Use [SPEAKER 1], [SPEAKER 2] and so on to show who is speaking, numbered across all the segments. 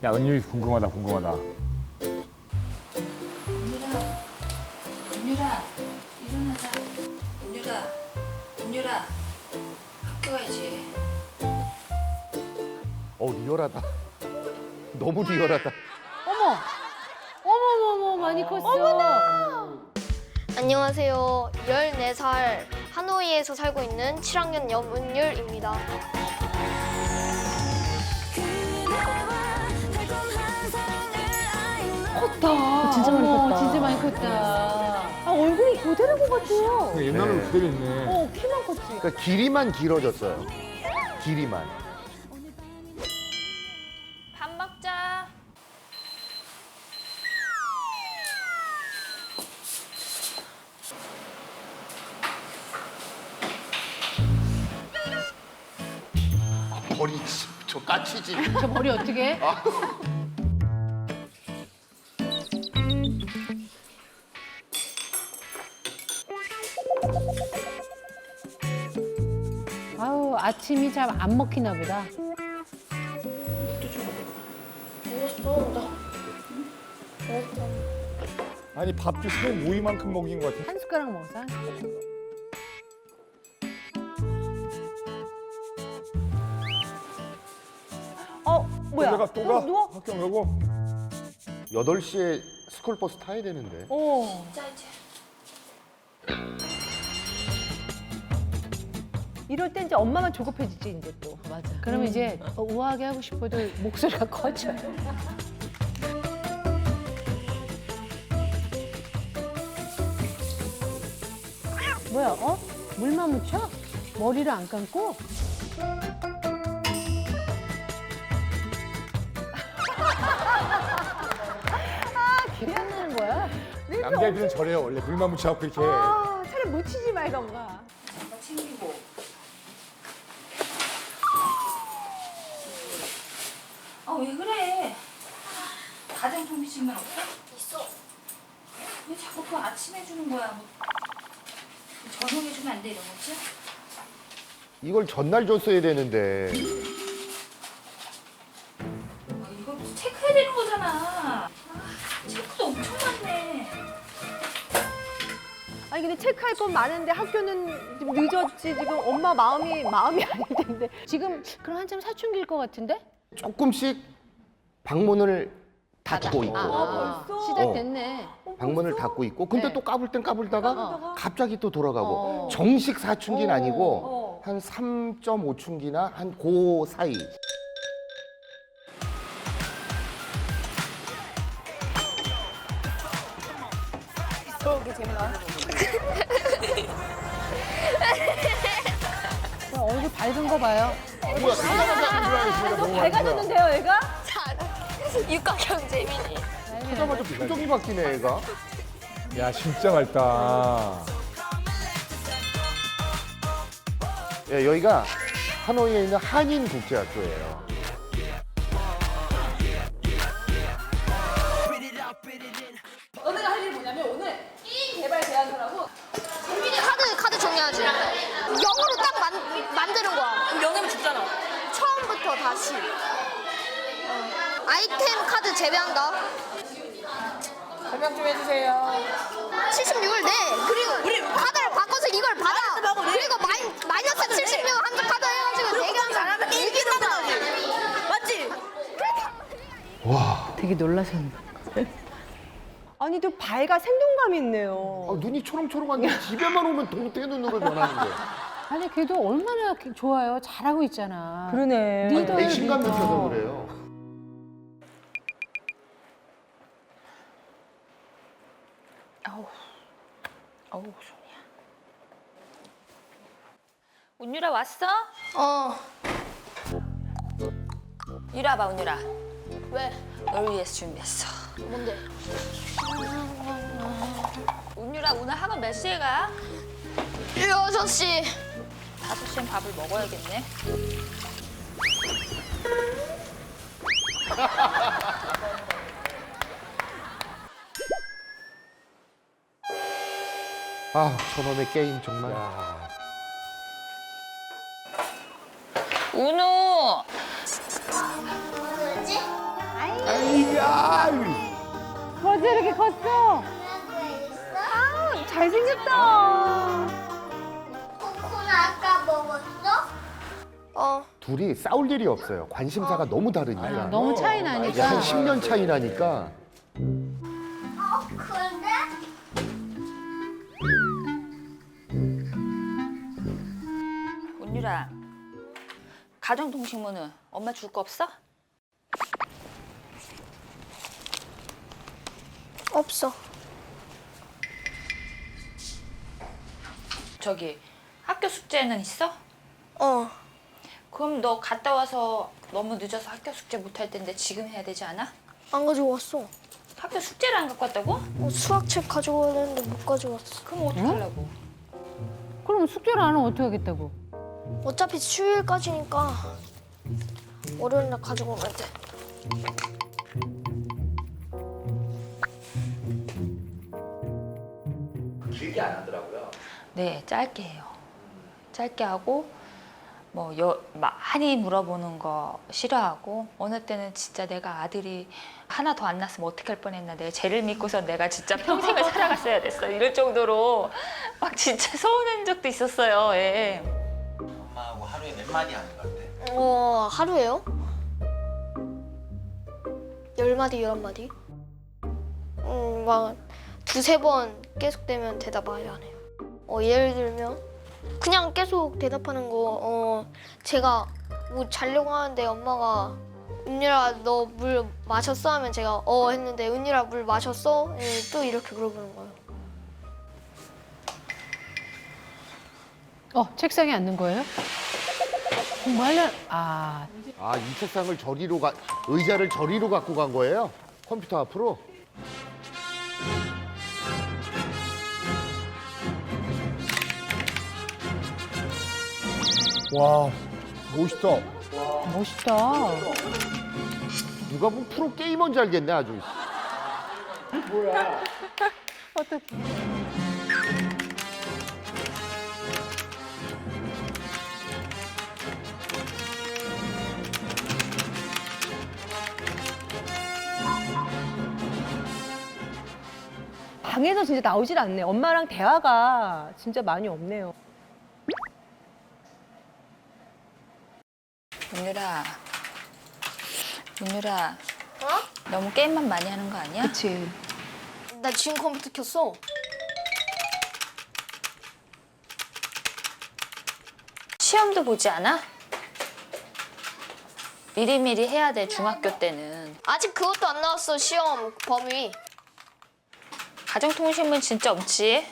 [SPEAKER 1] 야, 은율이 궁금하다, 궁금하다.
[SPEAKER 2] 은율아, 일어나자. 은율아, 학교 가야지.
[SPEAKER 3] 리얼하다. 너무 리얼하다.
[SPEAKER 4] 어머, 많이 컸어.
[SPEAKER 5] 안녕하세요. 14살 하노이에서 살고 있는 7학년 염은율입니다.
[SPEAKER 4] 컸다.
[SPEAKER 6] 진짜 많이 컸다.
[SPEAKER 4] 진짜 많이 컸다. 아, 얼굴이 그대로인 것 같아요.
[SPEAKER 1] 옛날로
[SPEAKER 3] 네.
[SPEAKER 1] 그대로 있네.
[SPEAKER 4] 키만 컸지.
[SPEAKER 3] 그러니까 길이만 길어졌어요. 길이만.
[SPEAKER 5] 밥 먹자.
[SPEAKER 3] 머리 저 까치지.
[SPEAKER 4] 저 머리 어떻게 해? 아우, 아침이 잘 안 먹히나 보다.
[SPEAKER 1] 아니, 밥도 새 모이만큼 먹인 것 같아.
[SPEAKER 4] 한 숟가락 먹어서.
[SPEAKER 6] 뭐야?
[SPEAKER 1] 또 가?
[SPEAKER 6] 누워?
[SPEAKER 1] 학교 안 가고?
[SPEAKER 3] 8시에 스쿨버스 타야 되는데.
[SPEAKER 2] 자, 이제.
[SPEAKER 6] 이럴 땐 이제 엄마만 조급해지지 이제 또.
[SPEAKER 4] 맞아. 그러면 이제 우아하게 하고 싶어도 목소리가 커져. 뭐야, 물만 묻혀? 머리를 안 감고? 기억나는 거야?
[SPEAKER 1] 남자애들은 저래요. 원래 물만 묻혀갖고 이렇게.
[SPEAKER 6] 아, 차라리 묻히지 말던가.
[SPEAKER 2] 잠깐 챙기고. 왜 그래? 가정통비 질문 없어?
[SPEAKER 5] 있어.
[SPEAKER 2] 왜 자꾸 그 아침에 해주는 거야? 뭐, 저녁에 주면 안 돼, 이런 거지?
[SPEAKER 3] 이걸 전날 줬어야 되는데.
[SPEAKER 2] 이거 체크해야 되는 거잖아. 체크도 엄청 많네.
[SPEAKER 6] 아니 근데 체크할 건 많은데 학교는 좀 늦었지. 지금 엄마 마음이 아닐 텐데.
[SPEAKER 4] 지금 그럼 한참 사춘기일 것 같은데?
[SPEAKER 3] 조금씩 방문을 닫고 있고.
[SPEAKER 6] 벌써?
[SPEAKER 4] 시작됐네.
[SPEAKER 3] 방문을 닫고 있고. 근데
[SPEAKER 4] 네.
[SPEAKER 3] 또 까불 땐 까불다가
[SPEAKER 6] 까불다가?
[SPEAKER 3] 갑자기 또 돌아가고.
[SPEAKER 4] 어.
[SPEAKER 3] 정식 사춘기는 아니고
[SPEAKER 6] 어.
[SPEAKER 3] 한 3.5춘기나 한 그 사이.
[SPEAKER 4] 얼굴 밝은 거 봐요.
[SPEAKER 1] 뭐야, 가자마자 너무
[SPEAKER 6] 밝아졌는데요, 얘가?
[SPEAKER 5] 육각형 재민이.
[SPEAKER 3] 하자마자 표정이 바뀌네, 애가.
[SPEAKER 1] 야, 진짜 맑다.
[SPEAKER 3] 예, 여기가 하노이에 있는 한인 국제학교예요.
[SPEAKER 7] 너네가 할 일이 뭐냐면 오늘 게임 개발 제안서라고.
[SPEAKER 5] 재민이 카드 정리하지. 영어로 딱 만드는 거야.
[SPEAKER 7] 그럼 영어면 죽잖아.
[SPEAKER 5] 처음부터 다시. 아이템 카드 재배한다.
[SPEAKER 7] 설명 좀 해주세요.
[SPEAKER 5] 76을 내. 그리고 카드를 바꿔서 이걸 받아. 그리고 마이너스 76 한 장 카드 해가지고 네 개만
[SPEAKER 7] 잘하면 이긴다는 거지. 맞지?
[SPEAKER 4] 되게 놀라셨네.
[SPEAKER 6] 아니 또 밝아 생동감이 있네요.
[SPEAKER 3] 눈이 초롱초롱한데 집에만 오면 동태 눈으로 변하는데.
[SPEAKER 4] 아니, 걔도 얼마나 좋아요. 잘하고 있잖아.
[SPEAKER 6] 그러네.
[SPEAKER 4] 리더예요,
[SPEAKER 3] 배신감
[SPEAKER 4] 리더.
[SPEAKER 3] 느껴서 그래요.
[SPEAKER 2] 어우, 손이야. 운유라 왔어? 이리 와봐, 운유라.
[SPEAKER 5] 왜?
[SPEAKER 2] 널 위해서 준비했어.
[SPEAKER 5] 뭔데?
[SPEAKER 2] 운유라, 오늘 학원 몇 시에 가?
[SPEAKER 5] 6시.
[SPEAKER 2] 5시엔 밥을 먹어야겠네.
[SPEAKER 3] 아, 저놈의 게임 정말.
[SPEAKER 2] 운우!
[SPEAKER 5] 뭐지?
[SPEAKER 3] 아이야.
[SPEAKER 4] 벌써 이렇게 컸어?
[SPEAKER 6] 잘생겼다.
[SPEAKER 5] 코코는 아까 먹었어?
[SPEAKER 3] 둘이 싸울 일이 없어요. 관심사가 너무 다르니까.
[SPEAKER 4] 너무 차이
[SPEAKER 3] 한
[SPEAKER 4] 나니까.
[SPEAKER 3] 10년 차이 나니까.
[SPEAKER 5] 근데?
[SPEAKER 2] 은유라, 가정통신문은 엄마 줄 거 없어?
[SPEAKER 5] 없어.
[SPEAKER 2] 저기 학교 숙제는 있어? 그럼 너 갔다 와서 너무 늦어서 학교 숙제 못 할 텐데 지금 해야 되지 않아?
[SPEAKER 5] 안 가져왔어.
[SPEAKER 2] 학교 숙제를 안 갖고 왔다고?
[SPEAKER 5] 수학책 가져와야 되는데 못 가져왔어.
[SPEAKER 2] 그럼 어떡하려고?
[SPEAKER 4] 그럼 숙제를 안 하면 어떻게 하겠다고?
[SPEAKER 5] 어차피 수요일까지니까 월요일 날 가져오면 돼.
[SPEAKER 8] 길게 안 하더라고요.
[SPEAKER 2] 네, 짧게 해요. 짧게 하고 뭐 많이 물어보는 거 싫어하고 어느 때는 진짜 내가 아들이 하나 더 안 낳았으면 어떻게 할 뻔했나 내가 쟤를 믿고서 내가 진짜 평생을 살아갔어야 됐어 이럴 정도로 막 진짜 서운한 적도 있었어요. 예.
[SPEAKER 8] 엄마하고 하루에 몇 마디 하는 것 같아?
[SPEAKER 5] 하루에요? 10마디, 11마디? 막 두세 번 계속되면 대답 아예 안 해요. 예를 들면 그냥 계속 대답하는 거 제가 뭐 자려고 하는데 엄마가 은유라 너 물 마셨어? 하면 제가 했는데 은유라 물 마셨어? 또 이렇게 물어보는 거예요.
[SPEAKER 4] 책상에 앉는 거예요? 공부하려
[SPEAKER 3] 이 책상을 의자를 저리로 갖고 간 거예요? 컴퓨터 앞으로?
[SPEAKER 1] 와, 멋있다.
[SPEAKER 4] 멋있다.
[SPEAKER 3] 누가 보면 프로 게이머인 줄 알겠네, 아주.
[SPEAKER 6] 방에서 진짜 나오질 않네. 엄마랑 대화가 진짜 많이 없네요.
[SPEAKER 2] 은유라 너무 게임만 많이 하는 거 아니야?
[SPEAKER 6] 그치.
[SPEAKER 5] 나 지금 컴퓨터 켰어.
[SPEAKER 2] 시험도 보지 않아? 미리미리 해야 돼 중학교 때는.
[SPEAKER 5] 아직 그것도 안 나왔어, 시험 범위.
[SPEAKER 2] 가정통신문 진짜 없지?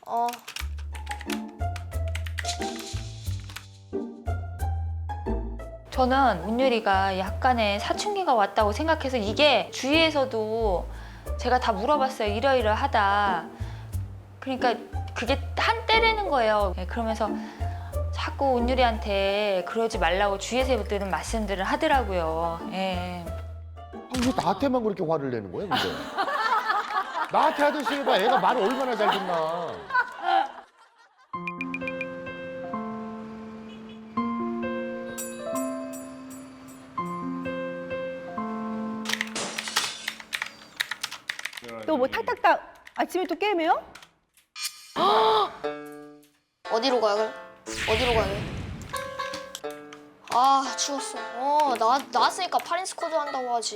[SPEAKER 2] 저는 은유리가 약간의 사춘기가 왔다고 생각해서 이게 주위에서도 제가 다 물어봤어요. 이러이러하다. 그러니까 그게 한때라는 거예요. 그러면서 자꾸 은유리한테 그러지 말라고 주위에서들은 말씀들을 하더라고요. 예.
[SPEAKER 3] 왜 나한테만 그렇게 화를 내는 거야, 근데? 나한테 하듯이 해봐. 애가 말을 얼마나 잘 듣나.
[SPEAKER 6] 또 뭐 탁탁탁 아침에 또 게임해요?
[SPEAKER 5] 어디로 가야 돼? 어디로 가야 돼? 추웠어. 나왔으니까 8인 스쿼드 한다고 하지.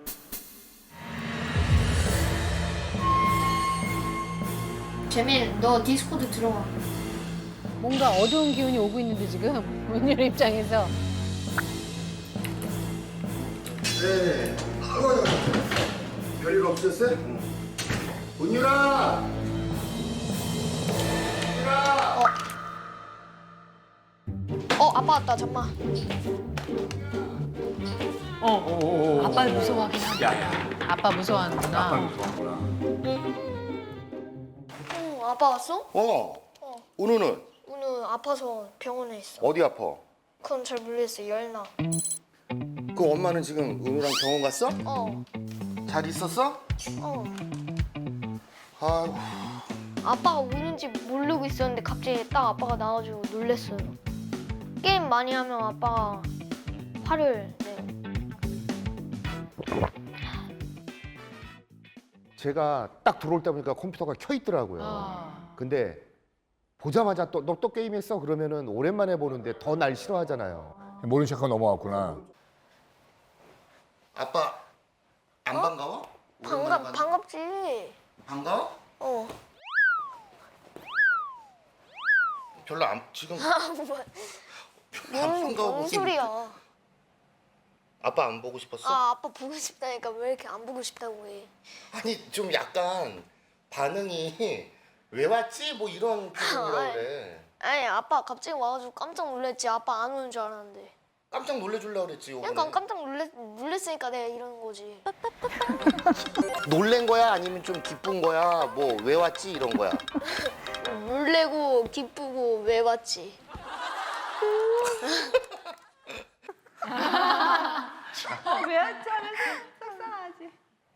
[SPEAKER 5] 재민, 너 디스코드 들어가.
[SPEAKER 4] 뭔가 어두운 기운이 오고 있는데 지금 은유리 입장에서.
[SPEAKER 3] 네. 별일 없었어요? 은유라!
[SPEAKER 5] 아빠 왔다, 잠만.
[SPEAKER 4] 아빠를 무서워하긴 하다. 아빠 무서워하는구나.
[SPEAKER 5] 아빠 왔어?
[SPEAKER 3] 은우는?
[SPEAKER 5] 오늘 아파서 병원에 있어.
[SPEAKER 3] 어디 아파?
[SPEAKER 5] 그건 잘 모르겠어, 열나.
[SPEAKER 3] 그 엄마는 지금 은우랑 병원 갔어? 잘 있었어? 아이고.
[SPEAKER 5] 아빠가 우는지 모르고 있었는데 갑자기 딱 아빠가 나와가지고 놀랬어요. 게임 많이 하면 아빠가 화를 내요.
[SPEAKER 3] 제가 딱 들어올 때 보니까 컴퓨터가 켜 있더라고요. 근데 보자마자 너 또 게임했어? 그러면은 오랜만에 보는데 더 날 싫어하잖아요.
[SPEAKER 1] 모른 척하고 넘어갔구나.
[SPEAKER 8] 아빠 안 반가워? 오랜만에 봤는데.
[SPEAKER 5] 반갑지.
[SPEAKER 8] 반가워?
[SPEAKER 5] 어.
[SPEAKER 8] 별로 안 지금 별로 안 반가워
[SPEAKER 5] 뭔
[SPEAKER 8] 보이는데.
[SPEAKER 5] 소리야.
[SPEAKER 8] 아빠 안 보고 싶었어?
[SPEAKER 5] 아, 아빠 보고 싶다니까 왜 이렇게 안 보고 싶다고 해.
[SPEAKER 8] 아니 좀 약간 반응이 왜 왔지? 뭐 이런 표정이라 그래.
[SPEAKER 5] 아니, 아빠 갑자기 와가지고 깜짝 놀랐지. 아빠 안 오는 줄 알았는데.
[SPEAKER 8] 깜짝 놀래주려고 그랬지 요번에.
[SPEAKER 5] 약간 깜짝 놀랬으니까 내가 이러는 거지.
[SPEAKER 8] 놀란 거야? 아니면 좀 기쁜 거야? 뭐 왜 왔지? 이런 거야?
[SPEAKER 5] 놀래고 기쁘고 왜 왔지?
[SPEAKER 6] 왜 왔지 하면서 속상하지.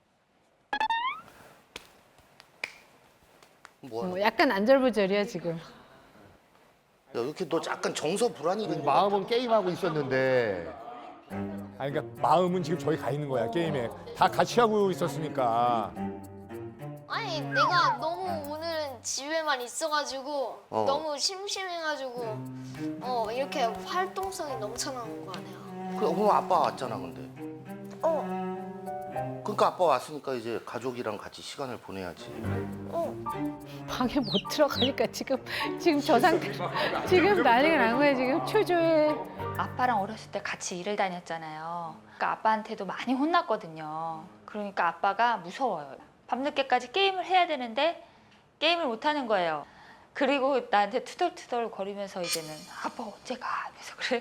[SPEAKER 8] 뭐야?
[SPEAKER 4] 약간 안절부절이야 지금.
[SPEAKER 8] 야, 이렇게 너 약간 정서 불안이 있는
[SPEAKER 3] 마음은 게임하고 있었는데
[SPEAKER 1] 아니 그러니까 마음은 지금 저기 가 있는 거야 게임에. 다 같이 하고 있었으니까.
[SPEAKER 5] 아니, 내가 너무 오늘은 집에만 있어가지고 너무 심심해가지고 이렇게 활동성이 넘쳐나는 거 아니야.
[SPEAKER 8] 그래, 오늘 아빠 왔잖아 근데.
[SPEAKER 5] 어.
[SPEAKER 8] 그러니까 아빠 왔으니까 이제 가족이랑 같이 시간을 보내야지.
[SPEAKER 4] 방에 못 들어가니까 지금 저 상태 지금 난리가 난 거야 지금 초조해.
[SPEAKER 2] 아빠랑 어렸을 때 같이 일을 다녔잖아요. 그러니까 아빠한테도 많이 혼났거든요. 그러니까 아빠가 무서워요. 밤늦게까지 게임을 해야 되는데 게임을 못 하는 거예요. 그리고 나한테 투덜투덜 거리면서 이제는 아빠 언제 가? 그래서 그래.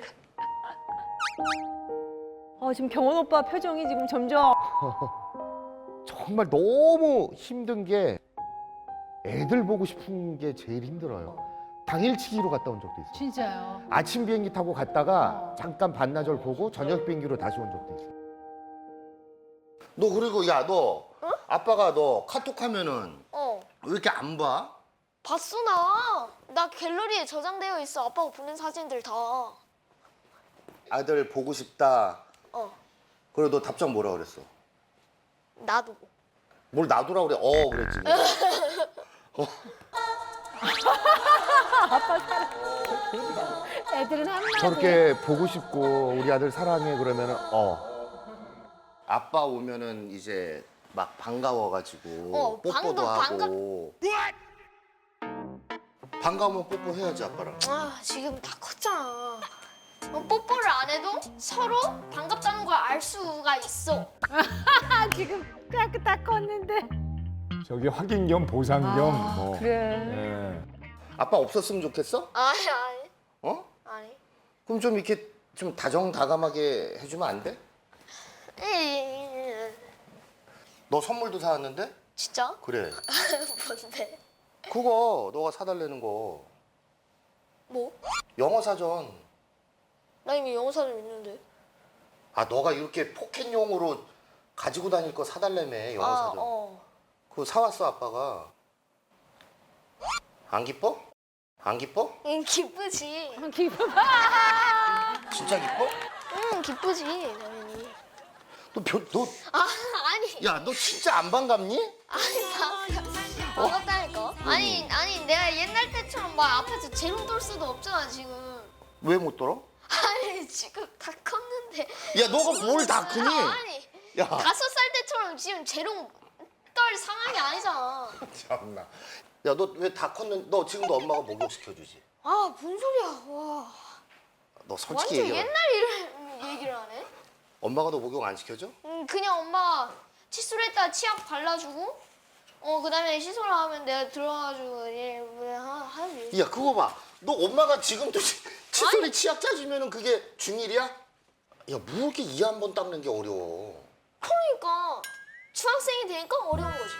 [SPEAKER 6] 지금 경원 오빠 표정이 지금 점점
[SPEAKER 3] 정말 너무 힘든 게 애들 보고 싶은 게 제일 힘들어요. 당일치기로 갔다 온 적도 있어요.
[SPEAKER 4] 진짜요.
[SPEAKER 3] 아침 비행기 타고 갔다가 잠깐 반나절 보고 저녁 비행기로 다시 온 적도 있어요.
[SPEAKER 8] 너 그리고 야 너 아빠가 너 카톡 하면은 왜 이렇게 안 봐?
[SPEAKER 5] 봤어 나. 나 갤러리에 저장되어 있어. 아빠가 보낸 사진들 다.
[SPEAKER 8] 아들 보고 싶다. 그래 너 답장 뭐라 그랬어?
[SPEAKER 5] 나도.
[SPEAKER 8] 뭘 놔두라 그래? 그랬지.
[SPEAKER 4] 애들은 한마디.
[SPEAKER 3] 저렇게 보고 싶고 우리 아들 사랑해 그러면은
[SPEAKER 8] 아빠 오면은 이제 막 반가워가지고 뽀뽀도 하고. 반가우면 뽀뽀 해야지 아빠랑.
[SPEAKER 5] 아, 지금 다 컸잖아. 뽀뽀를 안 해도 서로 반갑다는 걸 알 수가 있어.
[SPEAKER 4] 지금 딱 컸는데.
[SPEAKER 1] 저기 확인 겸 보상 겸 뭐.
[SPEAKER 4] 그래.
[SPEAKER 1] 예.
[SPEAKER 8] 아빠 없었으면 좋겠어?
[SPEAKER 5] 아니.
[SPEAKER 8] 어?
[SPEAKER 5] 아니.
[SPEAKER 8] 그럼 좀 이렇게 좀 다정다감하게 해주면 안 돼? 너 선물도 사왔는데?
[SPEAKER 5] 진짜?
[SPEAKER 8] 그래.
[SPEAKER 5] 뭔데?
[SPEAKER 8] 그거 너가 사달라는 거.
[SPEAKER 5] 뭐?
[SPEAKER 8] 영어 사전.
[SPEAKER 5] 나 이미 영어 사전 있는데.
[SPEAKER 8] 아 너가 이렇게 포켓용으로 가지고 다닐 거 사달라며 영어 사전. 그거 사왔어 아빠가. 안 기뻐? 안 기뻐?
[SPEAKER 5] 응, 기쁘지.
[SPEAKER 4] 기분
[SPEAKER 8] 진짜 기뻐?
[SPEAKER 5] 응, 기쁘지, 당연히.
[SPEAKER 8] 너
[SPEAKER 5] 아니.
[SPEAKER 8] 야 너 진짜 안 반갑니?
[SPEAKER 5] 반갑다니까. 아니, 내가 옛날 때처럼 막 앞에서 재롱 돌 수도 없잖아, 지금.
[SPEAKER 8] 왜 못 돌아?
[SPEAKER 5] 아니, 지금 다 컸는데.
[SPEAKER 8] 야 너가 뭘 다 크니?
[SPEAKER 5] 아니,
[SPEAKER 8] 야
[SPEAKER 5] 5살 때처럼 지금 재롱 떨 상황이 아니잖아.
[SPEAKER 8] 참나. 야 너 왜 다 컸는데 너 지금도 엄마가 목욕 시켜주지?
[SPEAKER 5] 아, 뭔 소리야. 와.
[SPEAKER 8] 너 솔직히
[SPEAKER 5] 완전
[SPEAKER 8] 얘기해.
[SPEAKER 5] 옛날 얘기를 하네.
[SPEAKER 8] 엄마가 너 목욕 안 시켜줘?
[SPEAKER 5] 그냥 엄마 칫솔에다 치약 발라주고 그다음에 씻으라 하면 내가 들어가지고 하지.
[SPEAKER 8] 야 그거 봐. 너 엄마가 지금도 칫솔에 치약 짜주면은 그게 중일이야? 야 뭐 이렇게 이 한 번 닦는 게 어려워.
[SPEAKER 5] 그러니까 중학생이 되니까 어려운 거지.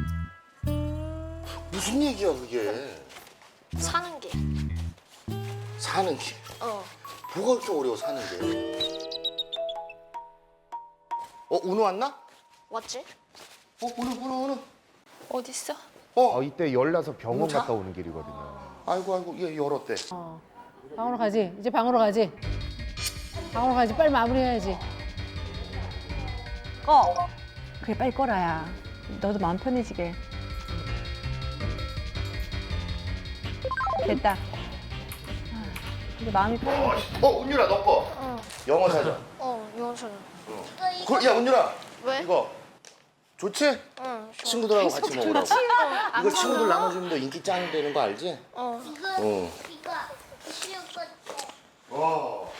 [SPEAKER 8] 무슨 얘기야 그게.
[SPEAKER 5] 사는 게.
[SPEAKER 8] 사는 게. 뭐가 그렇게 어려워 사는 게. 은우 왔나?
[SPEAKER 5] 왔지?
[SPEAKER 8] 은우.
[SPEAKER 2] 어딨어?
[SPEAKER 3] 이때 열나서 병원
[SPEAKER 8] 차?
[SPEAKER 3] 갔다 오는 길이거든요.
[SPEAKER 8] 아이고 얘 열었대.
[SPEAKER 4] 방으로 가지. 이제 방으로 가지. 방으로 가지. 빨리 마무리해야지.
[SPEAKER 6] 꺼. 그래 빨리 꺼라야. 너도 마음 편해지게. 됐다. 이제 마음이 편해.
[SPEAKER 8] 은유라 너 거. 영어 사전.
[SPEAKER 5] 영어 찾아.
[SPEAKER 8] 야 은유라.
[SPEAKER 5] 왜?
[SPEAKER 8] 이거 좋지?
[SPEAKER 5] 응.
[SPEAKER 8] 친구들하고 같이 먹으라고. 이거 친구들 나눠주면 너 인기 짱 되는 거 알지?
[SPEAKER 5] 어.
[SPEAKER 8] 어.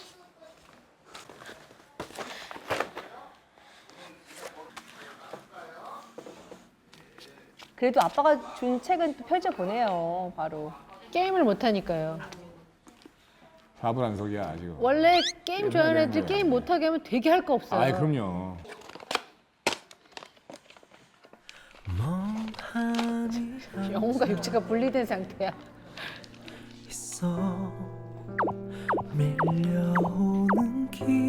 [SPEAKER 6] 그래도 아빠가 준 책은 또 펼쳐 보내요. 바로.
[SPEAKER 4] 게임을 못 하니까요.
[SPEAKER 1] 4분 안석이야 지금.
[SPEAKER 4] 원래 게임 좋아하는
[SPEAKER 1] 옛날에
[SPEAKER 4] 애들
[SPEAKER 1] 거야.
[SPEAKER 4] 게임 못 하게 하면 되게 할 거 없어요.
[SPEAKER 1] 아 그럼요.
[SPEAKER 4] 영혼과 육체가 분리된 상태야.
[SPEAKER 9] 있어 밀려오는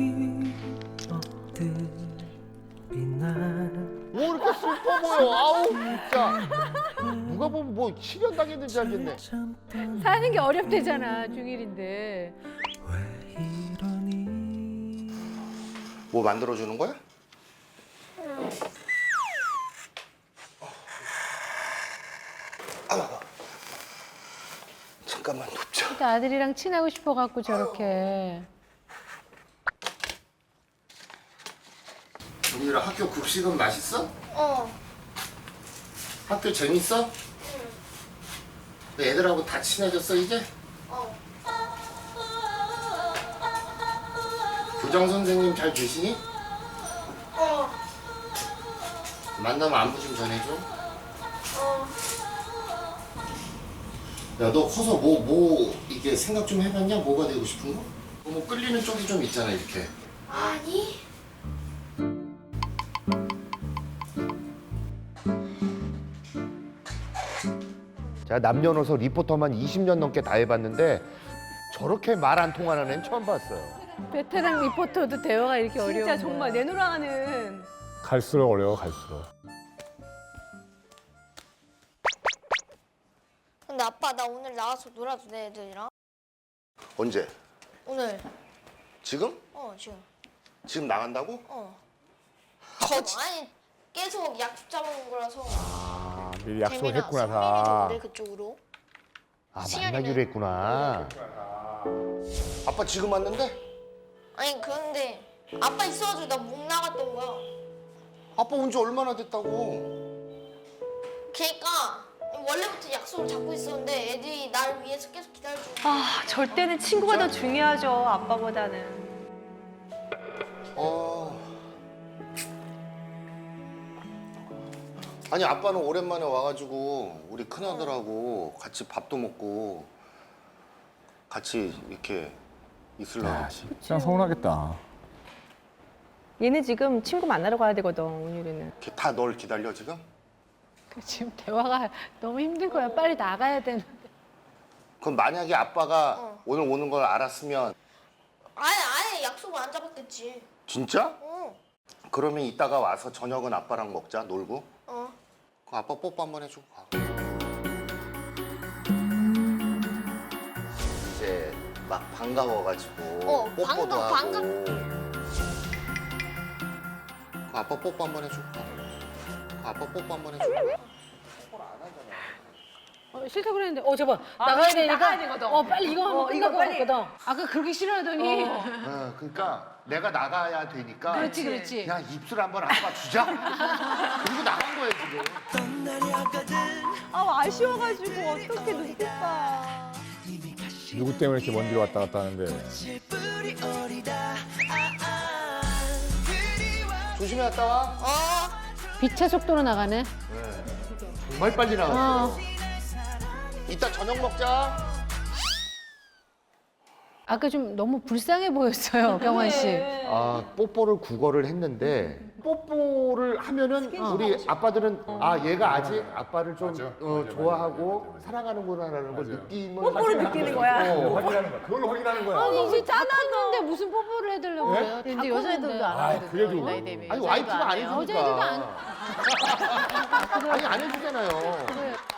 [SPEAKER 9] 기억들이 날
[SPEAKER 3] 뭐 이렇게 슬퍼 보여. 아우 진짜. 누가 보면 뭐 실현당했는지 알겠네.
[SPEAKER 9] 잠깐
[SPEAKER 4] 사는 게 어렵대잖아, 중1인데.
[SPEAKER 9] 왜 이러니
[SPEAKER 8] 뭐 만들어주는 거야? 잠깐만 눕자.
[SPEAKER 4] 그러니까 아들이랑 친하고 싶어갖고 저렇게.
[SPEAKER 8] 은유라 학교 급식은 맛있어?
[SPEAKER 5] 어.
[SPEAKER 8] 학교 재밌어? 애들하고 다 친해졌어 이제?
[SPEAKER 5] 어.
[SPEAKER 8] 교장 선생님 잘 계시니?
[SPEAKER 5] 어.
[SPEAKER 8] 만나면 안부 좀 전해줘.
[SPEAKER 5] 어.
[SPEAKER 8] 야, 너 커서 뭐 이게 생각 좀 해봤냐? 뭐가 되고 싶은 거? 뭐 끌리는 쪽이 좀 있잖아 이렇게.
[SPEAKER 5] 아니.
[SPEAKER 3] 제가 남녀노소 리포터만 20년 넘게 다 해봤는데 저렇게 말 안 통하는 애는 처음 봤어요.
[SPEAKER 4] 베테랑 리포터도 대화가 이렇게 어려운
[SPEAKER 6] 진짜 정말
[SPEAKER 4] 거야.
[SPEAKER 6] 내노라하는.
[SPEAKER 1] 갈수록 어려워 갈수록.
[SPEAKER 5] 근데 아빠 나 오늘 나와서 놀아도 돼 애들이랑?
[SPEAKER 8] 언제?
[SPEAKER 5] 오늘.
[SPEAKER 8] 지금?
[SPEAKER 5] 지금.
[SPEAKER 8] 지금 나간다고?
[SPEAKER 5] 아니 계속 약속 잡아놓은 거라서.
[SPEAKER 1] 아 미리 약속을
[SPEAKER 5] 재민아,
[SPEAKER 1] 했구나
[SPEAKER 5] 성민이도
[SPEAKER 1] 다.
[SPEAKER 5] 오래 그쪽으로.
[SPEAKER 3] 아
[SPEAKER 5] 시간이네.
[SPEAKER 3] 만나기로 했구나.
[SPEAKER 8] 아빠 지금 왔는데?
[SPEAKER 5] 아니 그런데 아빠 있어가지고 나 못 나갔던 거야.
[SPEAKER 8] 아빠 온 지 얼마나 됐다고?
[SPEAKER 5] 그러니까 원래부터 약속을 잡고 있었는데 애들이 나를 위해서 계속 기다려주고.
[SPEAKER 6] 아, 절대는 친구가 더 중요하죠, 아빠보다는.
[SPEAKER 8] 아니 아빠는 오랜만에 와가지고 우리 큰아들하고 같이 밥도 먹고 같이 이렇게 있으려고.
[SPEAKER 1] 야 진짜 서운하겠다.
[SPEAKER 6] 얘는 지금 친구 만나러 가야 되거든, 은율이는.
[SPEAKER 8] 다 널 기다려 지금?
[SPEAKER 4] 지금 대화가 너무 힘든 거야. 빨리 나가야 되는데.
[SPEAKER 8] 그럼 만약에 아빠가 오늘 오는 걸 알았으면
[SPEAKER 5] 아예 약속을 안 잡았겠지.
[SPEAKER 8] 진짜?
[SPEAKER 5] 어.
[SPEAKER 8] 그러면 이따가 와서 저녁은 아빠랑 먹자 놀고.
[SPEAKER 5] 어.
[SPEAKER 8] 그럼 아빠 뽀뽀 한번 해줘. 이제 막 반가워가지고 뽀뽀도 하고. 그럼 아빠 뽀뽀 한번 해줘. 아빠 뽀뽀 한번 해줘.
[SPEAKER 4] 싫다고 그랬는데, 저봐. 나가야 되니까.
[SPEAKER 6] 나가야 되거든.
[SPEAKER 4] 빨리 이거 한번 끝나고 갔거든. 아까 그렇게 싫어하더니.
[SPEAKER 3] 그러니까 내가 나가야 되니까.
[SPEAKER 4] 그렇지.
[SPEAKER 3] 야 입술 한번 아빠 주자. 그리고 나간 거예요 지금.
[SPEAKER 6] 아, 아쉬워가지고 어떻게 눈빛봐.
[SPEAKER 1] 누구 때문에 이렇게 먼 길 왔다 갔다 하는데.
[SPEAKER 8] 조심히 갔다 와.
[SPEAKER 4] 빛의 속도로 나가네.
[SPEAKER 3] 정말 빨리 나갔어.
[SPEAKER 8] 이따 저녁 먹자.
[SPEAKER 4] 아까 좀 너무 불쌍해 보였어요, 경환 씨.
[SPEAKER 3] 아 뽀뽀를 국어를 했는데 뽀뽀를 하면은 우리 아빠들은 아 얘가 아직 아빠를 좀 좋아하고 사랑하는구나라는 걸 느낌을
[SPEAKER 6] 뽀뽀를 느끼는 거야.
[SPEAKER 1] 확인하는 거야. 그걸로 확인하는 거야.
[SPEAKER 4] 아니, 이제 다 컸는데 무슨 뽀뽀를 해달라고
[SPEAKER 1] 네?
[SPEAKER 4] 그래요?
[SPEAKER 6] 근데 여자애들도 안
[SPEAKER 1] 아 그래도.
[SPEAKER 3] 아니 와이프가 안
[SPEAKER 4] 여자애들도
[SPEAKER 3] 해주니까
[SPEAKER 4] 안.
[SPEAKER 3] 아니 안 해주잖아요.
[SPEAKER 4] 그래.